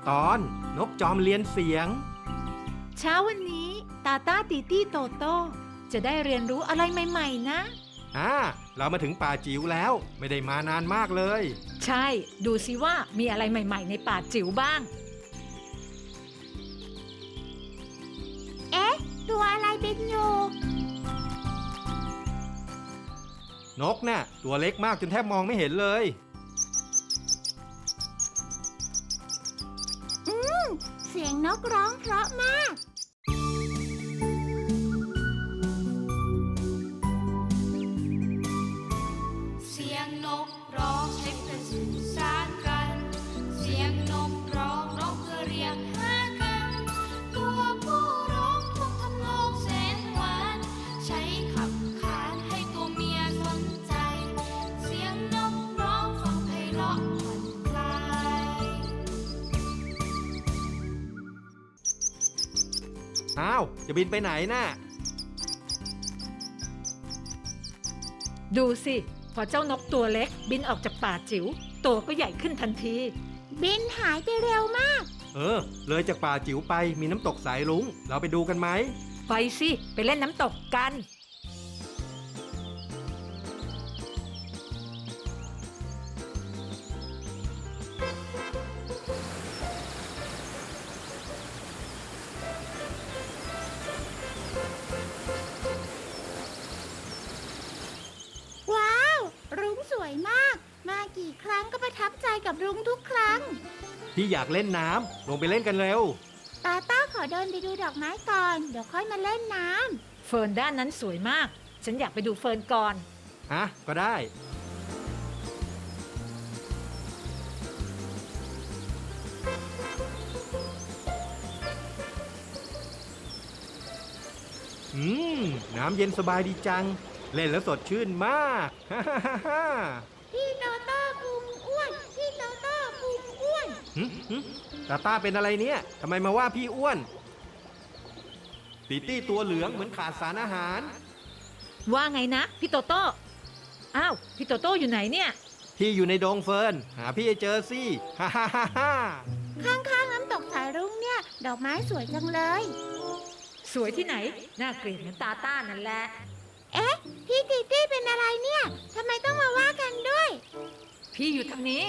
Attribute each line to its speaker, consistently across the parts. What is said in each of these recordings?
Speaker 1: ตอนนกจอมเรียนเสียง
Speaker 2: เช้าวันนี้ตาต้าตีตี้โตโต้จะได้เรียนรู้อะไรใหม่ๆนะ
Speaker 1: เรามาถึงป่าจิ๋วแล้วไม่ได้มานานมากเลย
Speaker 2: ใช่ดูสิว่ามีอะไรใหม่ๆในป่าจิ๋วบ้าง
Speaker 3: ตัวอะไรบินอยู่
Speaker 1: นกน่ะตัวเล็กมากจนแทบมองไม่เห็นเลย
Speaker 3: เสียงนกร้องเพราะมาก
Speaker 4: เสียงนกร้องใช้เพื่อสื่อสารกันเสียงนกร้องเพื่อเรียกหากันตัวผู้ร้องทุกทำนองแสนหวานใช้ขับขานให้ตัวเมียสนใจเสียงนกร้องฟังไพเราะผ่อนคลาย
Speaker 1: จะบินไปไหนน่ะ
Speaker 2: ดูสิพอเจ้านกตัวเล็กบินออกจากป่าจิ๋วตัวก็ใหญ่ขึ้นทันที
Speaker 3: บินหายไปเร็วมาก
Speaker 1: เลยจากป่าจิ๋วไปมีน้ำตกสายรุ้งเราไปดูกันไหม
Speaker 2: ไปสิไปเล่นน้ำตกกัน
Speaker 3: รุ้งสวยมากมากี่ครั้งก็ประทับใจกับรุ้งทุกครั้ง
Speaker 1: พี่อยากเล่นน้ำลงไปเล่นกันเร็ว
Speaker 3: ตาต้าขอเดินไปดูดอกไม้ก่อนเดี๋ยวค่อยมาเล่นน้
Speaker 2: ำเฟิร์นด้านนั้นสวยมากฉันอยากไปดูเฟิร์นก่อน
Speaker 1: ก็ได้น้ำเย็นสบายดีจังเล่นแล้วสดชื่นมาก
Speaker 3: พี่โตโต้พุงอ้วนพี่โตโต้พุงอ้วน
Speaker 1: ตาต้าเป็นอะไรเนี่ยทำไมมาว่าพี่อ้วนตีตี้ตัวเหลืองเหมือนขาดสารอาหาร
Speaker 2: ว่าไงนะพี่โตโต้พี่โตโต้อยู่ไหนเนี่ย
Speaker 1: พี่อยู่ในดงเฟิร์นหาพี่ให้เจอสิ
Speaker 3: ข้างๆน้ำตกสายรุ้งเนี่ยดอกไม้สวยจังเลย
Speaker 2: สวยที่ไหนน่าเกลียดเหมือนตาต้านั่นแหละ
Speaker 3: พี่ตีตี้เป็นอะไรเนี่ยทำไมต้องมาว่ากันด้วย
Speaker 2: พี่อยู่ทางนี้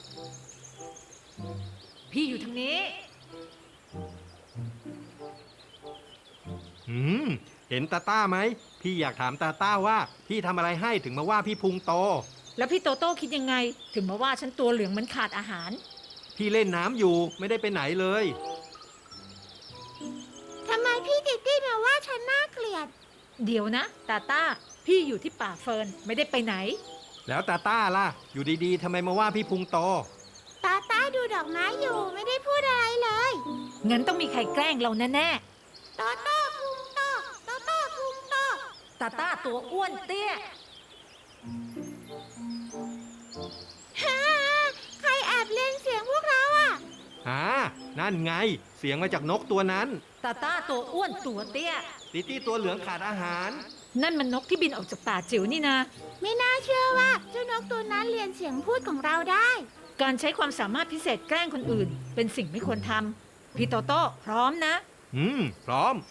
Speaker 1: เห็นตาต้าไหมพี่อยากถามตาต้าว่าพี่ทำอะไรให้ถึงมาว่าพี่พุงโต
Speaker 2: แล้วพี่โตโต้คิดยังไงถึงมาว่าฉันตัวเหลืองเหมือนขาดอาหาร
Speaker 1: พี่เล่นน้ำอยู่ไม่ได้ไปไหนเลย
Speaker 3: ทำไมพี่ตีตี้มาว่าฉันน่าเกลียด
Speaker 2: เดี๋ยวนะตาต้าพี่อยู่ที่ป่าเฟิร์นไม่ได้ไปไหน
Speaker 1: แล้วตาต้าล่ะอยู่ดีๆทำไมมาว่าพี่พุงโต
Speaker 3: ตาต้าดูดอกไม้อยู่ไม่ได้พูดอะไรเลย
Speaker 2: งั้นต้องมีใครแกล้งเราแน่
Speaker 3: ๆโตโต้พุงโตโตโต้พุงโต
Speaker 2: ตาต้าตัวอ้วนเตี้ย
Speaker 3: ใครแอบเล่นเสียงพวกเรา
Speaker 1: นั่นไงเสียงมาจากนกตัวนั้น
Speaker 2: ตาต้าตัวอ้วนตัวเตี้ย
Speaker 1: ตีตี้ตัวเหลืองขาดอาหาร
Speaker 2: นั่นมันนกที่บินออกจากป่าจิ๋วนี่นะ
Speaker 3: ไม่น่าเชื่อว่าเจ้านกตัวนั้นเรียนเสียงพูดของเราได้
Speaker 2: การใช้ความสามารถพิเศษแกล้งคนอื่นเป็นสิ่งไม่ควรทำพี่โตโต้พร้อมนะ
Speaker 1: พร้อม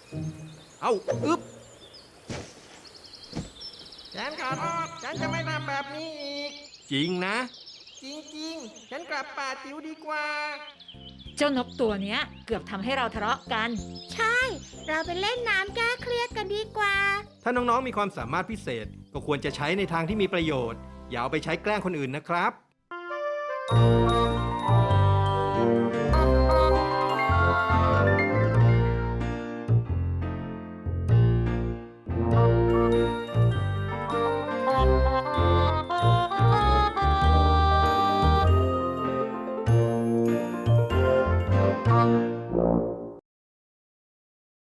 Speaker 5: ฉันขอโทษฉันจะไม่ทำแบบนี้อีก
Speaker 1: จริงนะ
Speaker 5: จริงๆฉันกลับป่าจิ๋วดีกว่า
Speaker 2: เจ้านกตัวเนี้ยเกือบทำให้เราทะเลาะกัน
Speaker 3: ใช่เราไปเล่นน้ำแก้เครียดกันดีกว่า
Speaker 1: ถ้าน้องๆมีความสามารถพิเศษก็ควรจะใช้ในทางที่มีประโยชน์อย่าเอาไปใช้แกล้งคนอื่นนะครับ